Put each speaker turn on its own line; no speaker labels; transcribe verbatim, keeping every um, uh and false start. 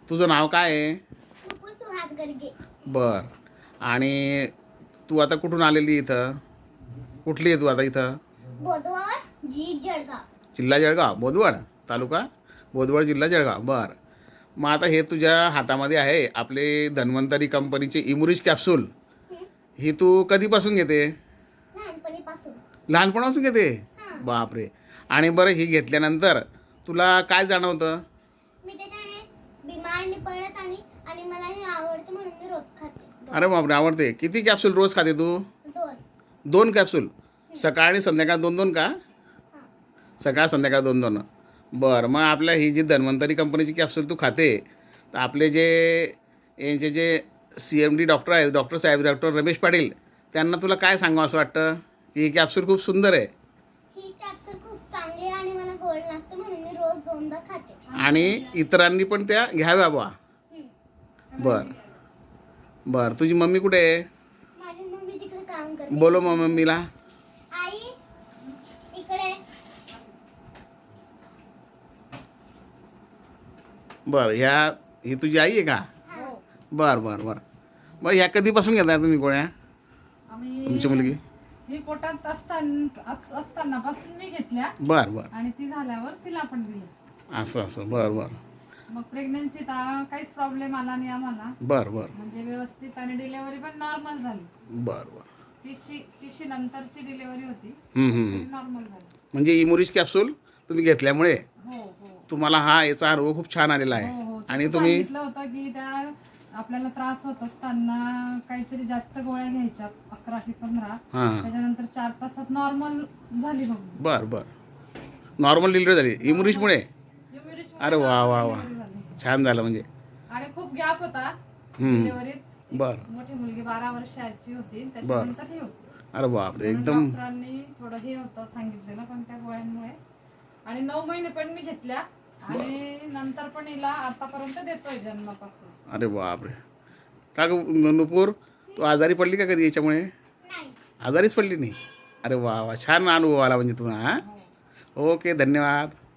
तुझं नाव काय आहे?
नुपूर सुहास गर्गे.
बर. आणि तू आता कुठून आलेली इथं? कुठली आहे तू आता इथं?
बोदवड जी जळगाव.
जिल्हा जळगाव, बोदवड तालुका बोदवड, जिल्हा जळगाव. बर. मग आता हे तुझ्या हातामध्ये आहे आपले धन्वंतरी कंपनीचे इमुरिज कॅप्सूल.
हं,
ही तू कधीपासून घेते?
लहानपणीपासून.
लहानपणापासून घेते?
हां.
बापरे. आणि बरं ही घेतल्यानंतर तुला काय जाणवतं?
मी त्याच्याने बिमार नाही पडत आणि आणि मला हे आवडतं म्हणून मी रोज खाते. दोन.
अरे बापरे, आवडते. किती कॅप्सूल रोज खाते तू?
दोन.
दोन कॅप्सूल सकाळ आणि संध्याकाळ दोन दोन का?
हां.
सकाळ संध्याकाळ दोन दोन. बरं. मग आपल्या ही जी धन्वंतरी कंपनीची कॅप्सूल तू खाते तर आपले जे यांचे जे सी एम डी डॉक्टर आहेत, डॉक्टर साहेब, डॉक्टर रमेश पाटील, त्यांना तुला काय सांगावं असं वाटतं की ही कॅप्सूल खूप सुंदर आहे
ही कॅप्सूल खूप चांगली आहे आणि मला गोड लागतं म्हणून मी रोज दोनदा खाते.
आणि इतरांनी पण त्या घ्याव्या बा.
हं.
बरं बरं. तुझी मम्मी कुठे आहे?
माझी मम्मी तिकडे काम करते.
बोलो मग मम्मीला.
आई इकडे.
बरं. ह्या ही तुझी आई आहे का?
हां.
बरं बरं बरं. मग ह्या कधीपासून घेताय तुम्ही गोळ्या?
आम्ही
तुमची मुलगी?
ही पोटात असताना असताना पासून मी घेतल्या
बरं बरं.
आणि ती झाल्यावर तिला पण दिली.
असं असं. बरं बरं
मग प्रेग्नन्सीत आ- काहीच प्रॉब्लेम आला नाही आम्हाला,
बरं बरं
म्हणजे व्यवस्थित, आणि डिलेव्हरी पण नॉर्मल झाली.
बरं बरं.
तिशी तिशी नंतरची डिलेव्हरी होती,
हं, हं, हं.
नॉर्मल झाली.
म्हणजे इमुरिज कॅप्सूल तुम्ही घेतल्यामुळे
हो हो
तुम्हाला हा याचा अनुभव खूप छान आलेला
हो
आहे.
हो
आणि
तसं
तुम्ही
सांगितलं होतं की त्या आपल्याला त्रास होत असताना काहीतरी जास्त गोळ्या घ्यायच्या, अकरा ते पंधरा,
हां.
त्याच्यानंतर चार तासात नॉर्मल झाली बघ.
बरं बरं. नॉर्मल डिलिव्हरी झाली इमुरिजमुळे?
Immunity
अरे वा वा वा.
delivery झाली.
छान झालं म्हणजे.
आणि खूप गॅप होता
हं.
डिलिव्हरीत.
बरं.
मोठी मुलगी बारा वर्षाची होती, त्याच्यानंतर हे होतं.
अरे बापरे,
म्हणून
एकदम.
डॉक्टरांनी थोडं हे होतं सांगितलेलं, पण त्या गोळ्यांमुळे. आणि नऊ महिने पण मी घेतल्या आणि नंतर पण हिला आतापर्यंत देतोय जन्मापासून.
अरे बापरे. का ग नुपूर, तू आजारी पडली का कधी याच्यामुळे?
नाही.
आजारीच पडली नाही? अरे वा वा. छान अनुभव आला म्हणजे तुम्हाला. हां.
हो.
ओके, धन्यवाद.